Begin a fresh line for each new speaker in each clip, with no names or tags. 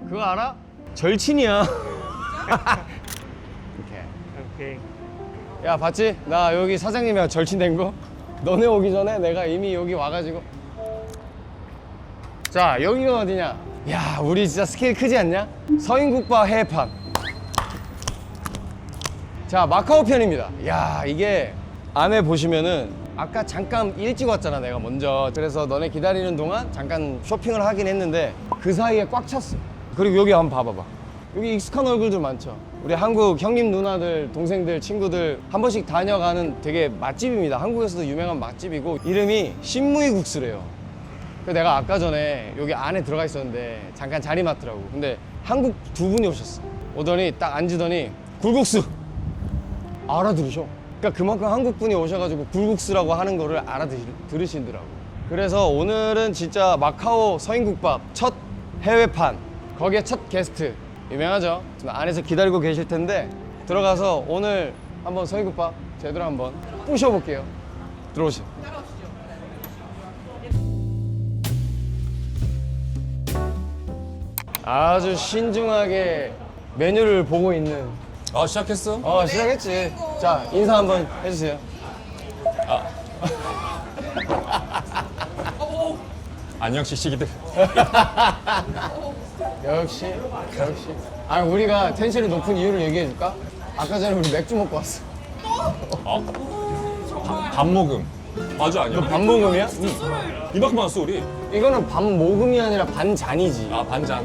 그거 알아? 절친이야.
오케이.
야 봤지? 나 여기 사장님이랑 절친된 거? 너네 오기 전에 내가 이미 여기 와가지고. 자 여기가 어디냐? 야 우리 진짜 스케일 크지 않냐? 서인국밥 해판. 자 마카오 편입니다. 야 이게 안에 보시면은 아까 잠깐 일찍 왔잖아 내가 먼저. 그래서 너네 기다리는 동안 잠깐 쇼핑을 하긴 했는데 그 사이에 꽉 찼어. 그리고 여기 한번 봐봐봐. 여기 익숙한 얼굴들 많죠. 우리 한국 형님 누나들 동생들 친구들 한 번씩 다녀가는 되게 맛집입니다. 한국에서도 유명한 맛집이고 이름이 신무이국수래요. 그래서 내가 아까 전에 여기 안에 들어가 있었는데 잠깐 자리 맡더라고. 근데 한국 두 분이 오셨어. 오더니 딱 앉으더니 굴국수 알아들으셔. 그러니까 그만큼 한국 분이 오셔가지고 굴국수라고 하는 거를 알아들으시더라고. 그래서 오늘은 진짜 마카오 서인국밥 첫 해외판, 거기에 첫 게스트 유명하죠. 지금 안에서 기다리고 계실 텐데 들어가서 오늘 한번 서인국밥 제대로 한번 부셔볼게요. 들어오시죠. 아주 신중하게 메뉴를 보고 있는.
아 시작했어?
시작했지. 자 인사 한번 해주세요.
안녕 시시기들.
역시. 아니 우리가 텐션이 높은 이유를 얘기해줄까? 아까 전에 우리 맥주 먹고 왔어.
밥 먹음. 맞아 아니야?
밥 먹음이야?
이만큼 왔어 우리.
이거는 밥 모금이 아니라 반잔이지.
아 반잔.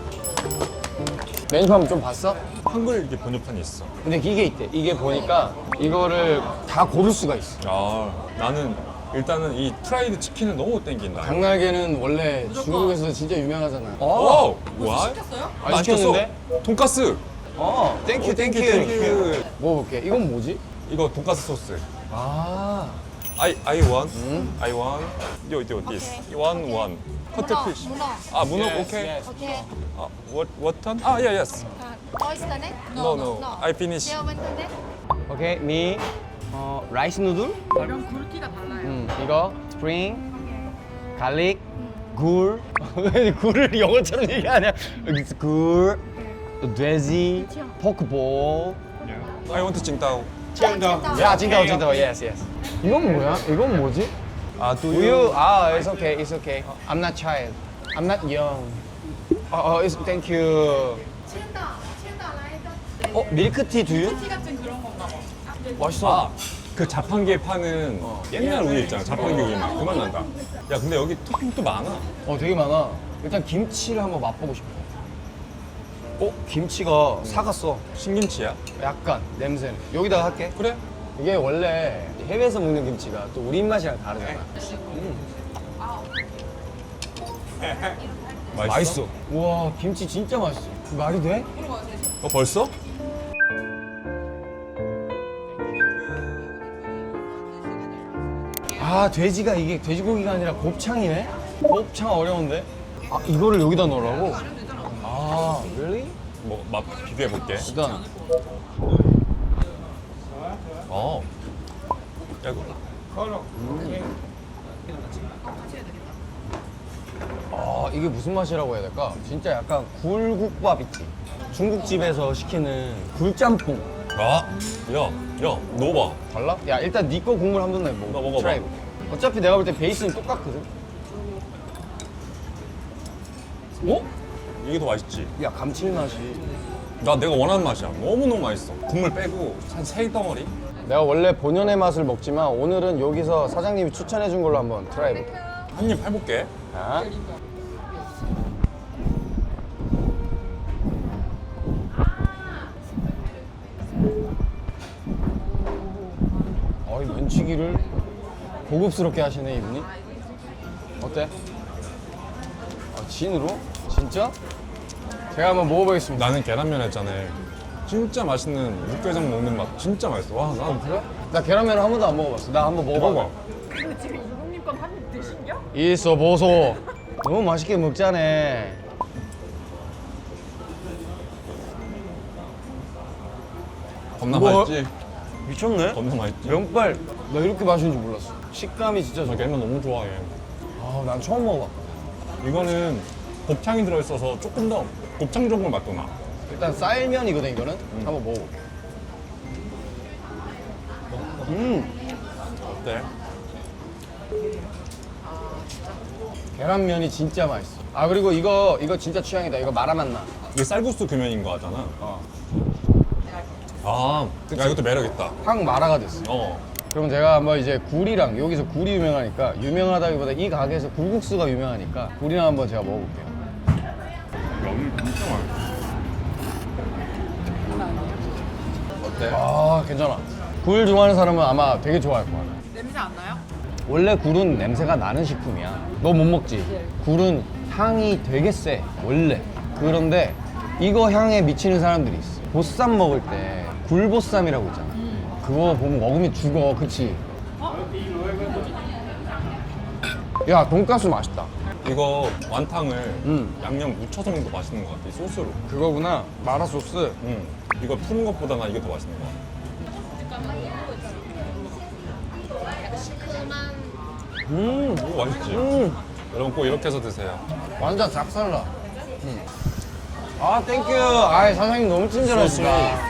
메뉴판 좀 봤어?
한글 이게 번역판이 있어.
근데 이게 있대. 이게 보니까 이거를 다 고를 수가 있어.
아 나는 일단은 이 프라이드 치킨은 너무 땡긴다.
닭날개는 원래 중국에서 진짜 유명하잖아.
오! 와?
안 시켰는데?
돈가스.
땡큐.
땡큐.
먹어볼게. 이건 뭐지?
이거 돈가스 소스.
아,
I want. I want. 요 this. one. 커트피쉬.
문어.
아 문어
Yes,
오케이.
yes.
Okay.
아 what ton? 아 yes.
Oyster net?
No. I finish.
Deal with net?
오케이. 미 라이스 누들?
이런 굵기가 달라요.
이거 스프링, 갈릭, 굴. 왜 굴을 영어처럼 얘기하냐? 굴, 또 돼지, 포크볼.
I want 칭따오.
야, 징다오, yes. 이건 뭐야? 이건 뭐지?
아 do
우유. it's okay. I'm not child. I'm not young. it's thank you. 밀크티 두유?
티 같은 그런 건가 봐.
맛있어.
그 자판기에 파는 옛날 우유 있잖아. 자판기 우유 맛. 그만 난다. 야 근데 여기 토핑도 많아.
되게 많아. 일단 김치를 한번 맛보고 싶어. 김치가 사갔어.
신김치야?
약간 냄새는. 여기다가 할게.
그래?
이게 원래 해외에서 먹는 김치가 또 우리 입맛이랑 다르잖아.
맛있어?
우와, 김치 진짜 맛있어. 말이 돼?
벌써?
돼지가 이게 돼지고기가 아니라 곱창이네? 곱창 어려운데? 이거를 여기다 넣으라고? really?
뭐 맛 비교해 볼게.
일단
야 이거
이게 무슨 맛이라고 해야 될까? 진짜 약간 굴국밥 있지? 중국집에서 시키는 굴짬뽕.
야, 넣어봐.
달라? 야 일단 네 거 국물 한 번 내고
나 먹어봐.
트라이 해볼게. 어차피 내가 볼 때 베이스는 똑같거든?
이게 더 맛있지?
야 감칠맛이.
내가 원하는 맛이야. 너무너무 맛있어. 국물 빼고 한 3덩어리?
내가 원래 본연의 맛을 먹지만 오늘은 여기서 사장님이 추천해 준 걸로 한번 트라이 해볼게.
한 입 해볼게.
자. 이 면치기를 고급스럽게 하시네 이분이. 어때? 진으로? 진짜? 제가 한번 먹어보겠습니다.
나는 계란면 했잖아. 진짜 맛있는 육개장 먹는 맛 진짜 맛있어. 와, 난
그래? 나 계란면을 한 번도 안 먹어봤어. 나 한번 먹어봐.
먹어봐.
근데 지금 이국님 건 한 입 드신겨?
있어 보소. 너무 맛있게 먹자네.
겁나
뭐?
맛있지?
미쳤네?
겁나 맛있지?
면발 나 이렇게 맛있는 줄 몰랐어. 식감이 진짜
나
좋아.
계란 너무 좋아해.
난 처음 먹어봤다.
이거는 곱창이 들어있어서 조금 더 곱창 전골 맛도 나.
일단 쌀면이거든 이거는. 한번 먹어볼게.
어때?
계란면이 진짜 맛있어. 아 그리고 이거 진짜 취향이다. 이거 마라맛 나.
이게 쌀국수 규면인 거 같잖아.
어.
아, 야 이것도 매력 있다.
확 마라가 됐어.
어.
그럼 제가 한번 이제 굴이랑 여기서 굴이 유명하니까 유명하다기보다 이 가게에서 굴국수가 유명하니까 굴이랑 한번 제가 먹어볼게요.
면이 진짜 맛있어. 어때?
아 괜찮아. 굴 좋아하는 사람은 아마 되게 좋아할 거야.
냄새 안 나요?
원래 굴은 냄새가 나는 식품이야. 너 못 먹지? 굴은 향이 되게 세 원래. 그런데 이거 향에 미치는 사람들이 있어. 보쌈 먹을 때 굴보쌈이라고 있잖아. 그거 보면 먹으면 죽어. 그치? 야 돈가스 맛있다.
이거 완탕을 양념 묻혀서 먹는 거 맛있는 거 같아. 이 소스로.
그거구나. 마라 소스.
이거 푸는 것보다 난 이게 더 맛있는 거 같아. 이거 맛있지? 여러분 꼭 이렇게 해서 드세요.
완전 싹살라. 아 땡큐. 아 사장님 너무 친절하시다.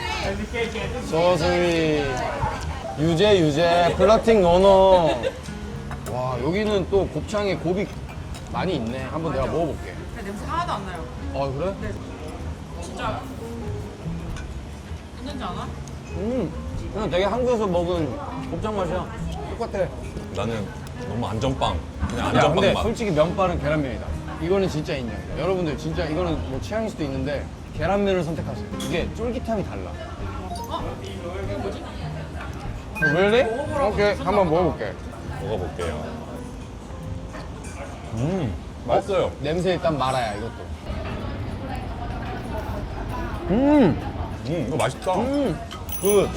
소스위 유제 플러팅 노노. 와 여기는 또 곱창에 곱이 많이 있네. 한번 내가 먹어볼게.
근데 냄새 하나도 안 나요.
아 그래?
진짜 있는지 아나?
그냥 되게 한국에서 먹은 곱창 맛이야. 똑같아.
나는 너무 안전빵. 그냥
야 근데
안전빵 맛.
솔직히 면발은 계란면이다. 이거는 진짜 인정이다. 여러분들 진짜 이거는 뭐 취향일 수도 있는데 계란면을 선택하세요. 이게 쫄깃함이 달라. really? 오케이 한번 먹어볼게.
먹어볼게요. 맛있어요.
냄새 일단 말아야 이것도.
이거 맛있다.
굿.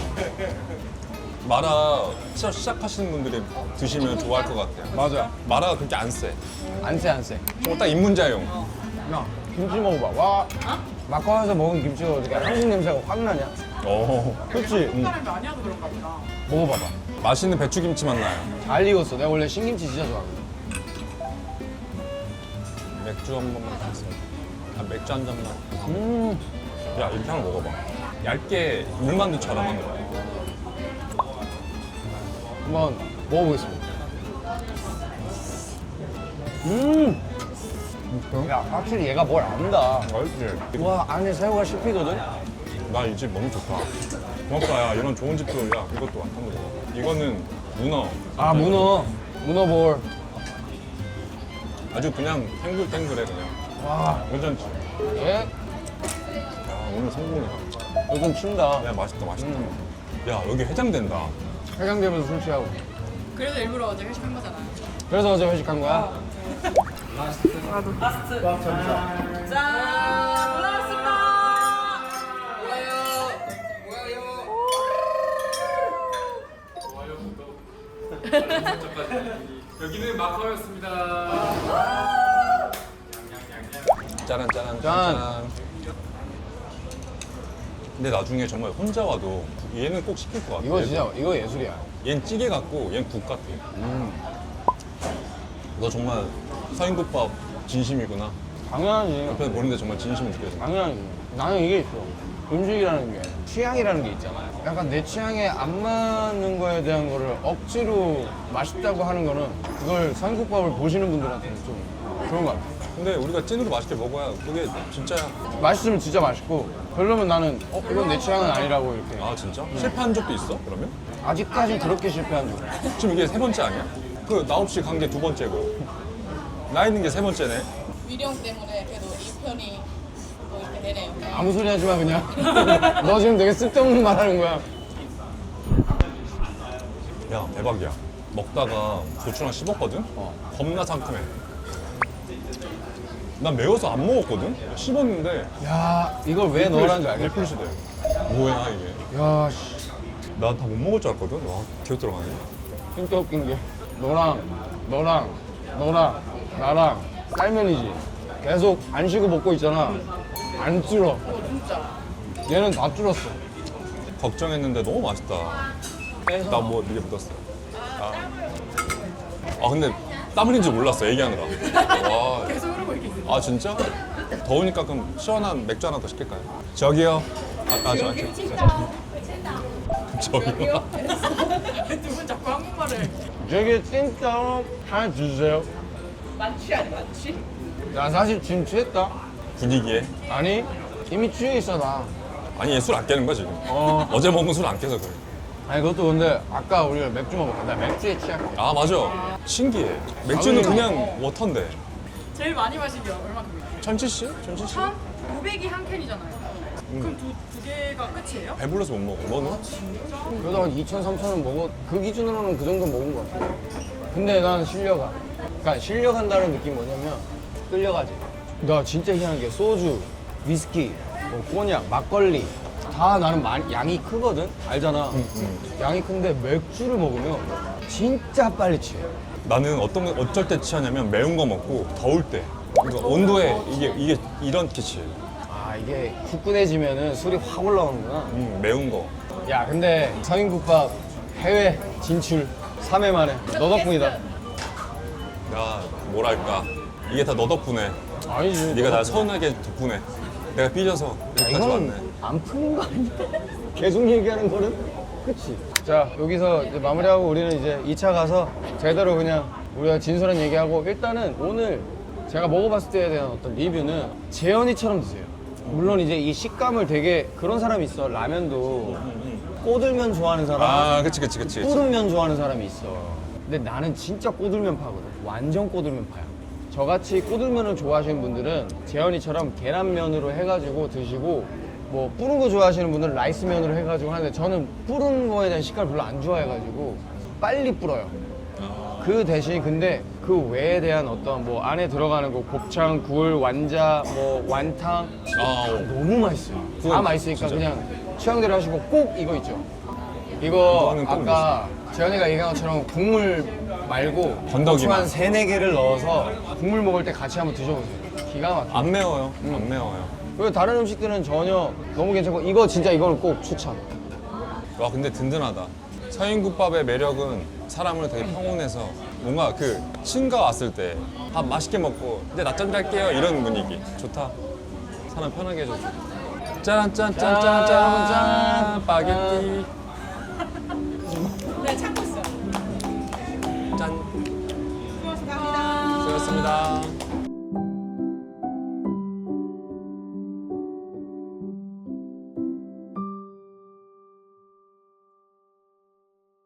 마라 시작하시는 분들이 드시면 좋아할 것 같아요.
맞아.
마라가 그렇게 안 세.
안 세, 안 세.
저거 딱 입문자용.
야, 김치 먹어봐. 와, 막걸리에서 먹은 김치가 어떻게 한국 냄새가 확 나냐?
오.
그렇지?
사람이 많이 하도 그런가 보다.
먹어봐봐.
맛있는 배추김치 맛 나요.
잘 익었어. 내가 원래 신김치 진짜 좋아하거든.
맥주 한 번만 가겠습니다. 아, 맥주 한 잔만. 야, 이렇게 하나 먹어봐. 얇게 물만두처럼 한 거야.
한번 먹어보겠습니다. 야, 확실히 얘가 뭘 안다.
맛있지?
와, 안에 새우가 씹히거든?
나 이 집 너무 좋다. 고맙다, 야. 이런 좋은 집도, 야, 이것도 완전 먹어. 이거는 문어.
아, 문어볼.
아주 그냥 탱글탱글해, 그냥.
와,
괜찮지?
얘
야, 오늘 성공이다.
요즘 춘다.
야, 맛있다, 맛있다. 야, 여기 해장된다.
해장되면서 술 취하고.
그래서 일부러 어제 회식한 거잖아요.
그래서 어제 회식한 거야?
짠! 올라왔습니다!
여기는 마카오였습니다.
짜란, 짜란,
짠.
짠. 근데 나중에 정말 혼자 와도 얘는 꼭 시킬 것 같아.
이거 진짜, 이거 예술이야.
얘는 찌개 같고 얘는 국 같아. 너 정말 서인국밥 진심이구나.
당연하지.
옆에서 보는데 정말 진심이 느껴져.
당연하지. 나는 이게 있어. 음식이라는 게 취향이라는 게 있잖아. 약간 내 취향에 안 맞는 거에 대한 거를 억지로 맛있다고 하는 거는 그걸 서인국밥을 보시는 분들한테는 좀 좋은 것 같아.
근데 우리가 찐으로 맛있게 먹어야 그게 진짜야.
맛있으면 진짜 맛있고 별로면 나는 이건 내 취향은 아니라고 이렇게.
아 진짜? 실패한 적도 있어? 그러면?
아직까지 그렇게 실패한 적 없어.
지금 이게 세 번째 아니야? 그 나 없이 간 게 두 번째고 나 있는 게 세 번째네.
위령 때문에 그래도 이 편이 뭐 이렇게 되네요.
아무 소리 하지 마 그냥. 너 지금 되게 쓸데없는 말 하는 거야.
야 대박이야. 먹다가 고추랑 씹었거든? 겁나 상큼해. 난 매워서 안 먹었거든? 씹었는데
야 이걸 왜 넣으라는 줄 알겠다.
1%대. 뭐야 이게.
야 씨.
난 다 못 먹을 줄 알았거든? 와 기어 들어가네.
진짜 웃긴 게 너랑 나랑 쌀면이지. 계속 안 쉬고 먹고 있잖아. 안 줄어. 얘는 다 줄었어.
걱정했는데 너무 맛있다. 나 뭐 이게 묻었어. 아 근데 땀 흘린 줄 몰랐어 얘기하느라. 와.
계속 흐르고 있겠어요.
아 진짜? 더우니까 그럼 시원한 맥주 하나 더 시킬까요? 저기요. 저기요.
두 분 자꾸 한국말을.
저기 찐따오 하나 주세요.
만취 아니 만취?
나 사실 지금 취했다.
분위기에.
아니 이미 취해 있어 나.
아니 얘 술 안 깨는 거야 지금.
어.
어제 먹은 술 안 깨서 그래.
아니 그것도 근데 아까 우리가 맥주 먹었다. 나 맥주에 취할게.
아 맞아. 신기해. 맥주는
아버지.
그냥 워터인데.
제일 많이 마신 게 얼마큼이에요?
1000cc? 1000cc?
500이 한 캔이잖아요. 그럼 두 개가 끝이에요?
배불러서 못 먹어. 너는?
그래도 한 2,000, 3,000원 먹어. 그 기준으로는 그 정도 먹은 것 같아. 근데 난 실려가. 그러니까 실려간다는 느낌이 뭐냐면 끌려가지. 나 진짜 희한한 게 소주, 위스키, 뭐 꼬냑, 막걸리 다 나는 양이 크거든? 알잖아. 양이 큰데 맥주를 먹으면 진짜 빨리 취해.
나는 어쩔 때 취하냐면 매운 거 먹고 더울 때. 그러니까 온도에 이게 이렇게 취해.
아 이게 후끈해지면은 술이 확 올라오는구나.
매운 거.
야 근데 서인국밥 해외 진출 3회 만에 너 덕분이다.
야 뭐랄까. 이게 다 너 덕분에.
아니지.
네가 날 서운하게 덕분에. 내가 삐져서
야,
여기까지 왔네.
이건 안 푸는 거 아니야? 계속 얘기하는 거는? 그치? 자 여기서 이제 마무리하고 우리는 이제 2차 가서 제대로 그냥 우리가 진솔한 얘기하고 일단은 오늘 제가 먹어봤을 때에 대한 어떤 리뷰는 재현이처럼 드세요. 물론 이제 이 식감을 되게 그런 사람이 있어. 라면도 꼬들면 좋아하는 사람,
아 그치.
뿌른면 좋아하는 사람이 있어. 근데 나는 진짜 꼬들면 파거든. 완전 꼬들면 파야. 저같이 꼬들면을 좋아하시는 분들은 재현이처럼 계란면으로 해가지고 드시고 뭐 뿌른 거 좋아하시는 분들은 라이스면으로 해가지고 하는데 저는 뿌른 거에 대한 식감을 별로 안 좋아해가지고 빨리 불어요. 그 대신 근데 그 외에 대한 어떤 뭐 안에 들어가는 거 곱창, 굴, 완자, 뭐 완탕 너무 맛있어요. 다
그건
맛있으니까
진짜.
그냥 취향대로 하시고 꼭 이거 있죠. 이거
이거는 꼭
아까 재현이가 얘기한 것처럼 국물 말고
건더기만.
고추 한 3-4개를 넣어서 국물 먹을 때 같이 한번 드셔보세요. 기가 막혀.
안 매워요. 안 매워요.
그리고 다른 음식들은 전혀 너무 괜찮고 이거 진짜 이거는 꼭 추천.
와 근데 든든하다. 서인국밥의 매력은 사람을 되게 평온해서 뭔가 그 친가 왔을 때 밥 맛있게 먹고 이제 낮잠 잘게요 이런 분위기 좋다. 사람 편하게 해줘서. 짠짠짠짠짠 파게티.
네 찾고 있어요.
짠.